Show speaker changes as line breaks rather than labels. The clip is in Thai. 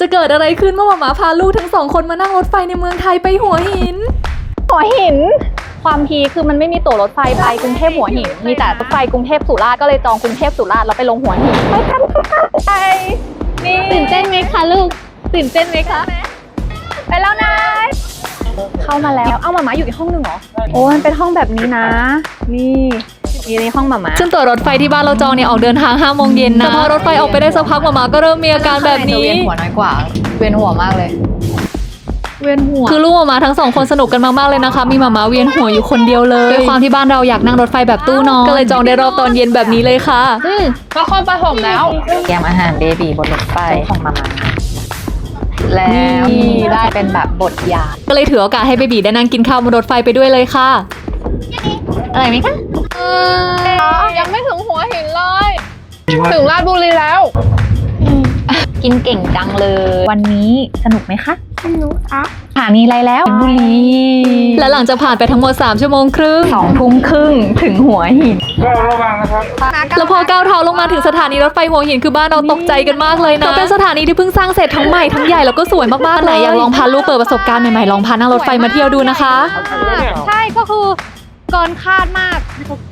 จะเกิดอะไรขึ้นเมื่อหมาพาลูกทั้งสองคนมานั่งรถไฟในเมืองไทยไปหัวหิน
หัวหินความพีคือมันไม่มีตั๋วรถไฟไปกรุงเทพหัวหินมีแต่รถไฟกรุงเทพสุราษฎร์ก็เลยจองกรุงเทพสุราษฎร์แล้วไปลงหัวหินไปกันค่ะไปนี่ตื่นเต้นไหมคะลูกตื่นเต้นไหมคะไปแล้วนะเข้ามาแล้วเอาหมาอยู่อีกห้องหนึ่งเหรอโอ้มันเป็นห้องแบบนี้นะนี่ในห้องหมา
ซึ่งตั๋วรถไฟที่บ้านเราจองเนี่ยออกเดินทาง5 โมงเย็นนะแต่พอรถไฟออกไปได้สักพักหมาก็เริ่มมีอาการแบบนี้
เวียนหัวน้อยกว่าเวียนหัวมากเลย
เวียนหัว
คือลูกหมาทั้งสองคนสนุกกันมากๆเลยนะคะมีหมาเวียนหัวอยู่คนเดียวเลยด้วยความที่บ้านเราอยากนั่งรถไฟแบบตู้นอนก็เลยจองได้รอบตอนเย็นแบบนี้เลยค่ะ
นครปฐมแล้ว
แกมอาหารเบบีบนรถไฟของมาม่าแล้วได้เป็นแบบบทยา
ก็เลยถือโอกาสให้เบบีได้นั่งกินข้าวบนรถไฟไปด้วยเลยค่ะ
อะไรไหมคะ
ยังไม่ถึงหัวหินเลยถึงราชบุรีแล้ว
กินเก่งจังเลย
วันนี้สนุกไหมคะ
สนุกค่ะ
สถานีอะไรแล้วบุรี
และหลังจากผ่านไปทั้งหมด3 ชั่วโมงครึ่ง
2 ทุ่มครึ่งถึงหัวหิน
แล้วพอก้าวเท้าลงมาถึงสถานีรถไฟหัวหินคือบ้านเราตกใจกันมากเลยนะเพราะเป็นสถานีที่เพิ่งสร้างเสร็จทั้งใหม่ทั้งใหญ่แล้วก็สวยมากๆเลยอยากลองพาลูกเปิดประสบการณ์ใหม่ๆลองพานั่งรถไฟมาเที่ยวดูนะคะ
ใช่ก็คือเกินคาดมาก